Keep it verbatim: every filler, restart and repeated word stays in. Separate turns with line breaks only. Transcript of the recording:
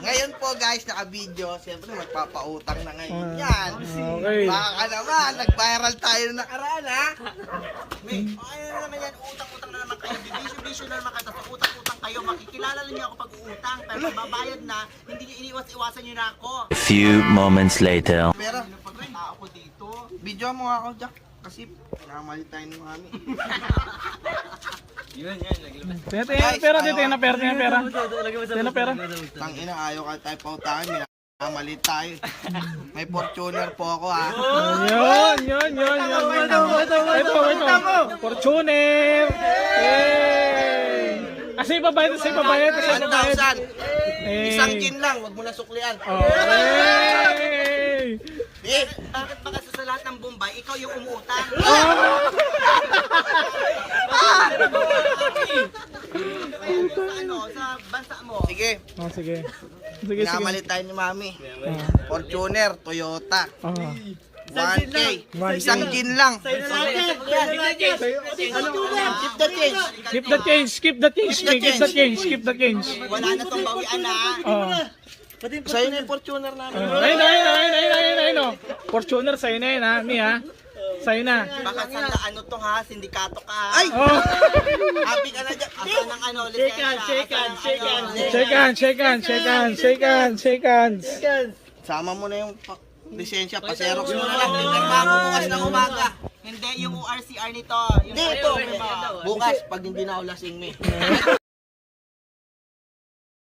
Ngayon po guys, naka-video. Siyempre magpapautang na ngayon yan.
Okay.
Baka naman, nag-viral tayo na nakaraan ha. May, ano na naman yan, utang-utang na naman kayo. Bisyo-bisyo na naman kayo. Tapos utang-utang kayo. Makikilala lang niyo ako pag uutang. Pero pag babayad na, hindi niyo iniwas-iwasan niyo na ako.
Few moments later.
Pero, pag rin ako dito. Video mo ako, Jack. Kasi, pinamali tayo ng mami.
Tingnan, tingnan, pera, tingnan na pera, tingnan na pera. Tingnan na pera.
Tangina, ayaw ka tayo pautangin. Minamali tayo. May Fortuner po ako ha.
Yun, yun, yun, yun. Ito, ito. Fortuner. Yay! Kasi ibabayad, kasi ibabayad, kasi
one
ibabayad.
thousand.
Eh.
Isang gin lang, wag mo na suklian.
Okay.
Eh, bakit ba kasi sa lahat ng Bombay, ikaw yung umuutang? Sa ano, sa bansa mo? Sige,
Oh, sige. Sige, sige.
pinamalit tayo ni Mami. Fortuner, Toyota.
Oh.
one K.
one K.
Isang gin lang.
Ano?
Keep the change.
Keep the change, keep the change, keep the change, keep the change.
Wala na tong bawian na.
Oh.
Sa'yo na yung Fortuner namin.
Oh. Ayun, ayun, ayun, ayun, ayun, ayun, oh. Fortuner, sa'yo na yun, ha? Mi, ha? Sa'yo na.
Baka sa ano to ha, sindikato ka. Ay!
Oh.
Happy ka na dyan. Asa ng ano, lisensya. Shake hands, shake hands,
Shake hands, shake hands, shake hands, shake hands, shake hands.
Sama mo na yung pa- lisensya, pa-xerox mo na lang. Pinirma mo bukas ng umaga. Hindi, yung O R C R nito. Hindi, ito. Bukas, pag hindi na ako lasing, me.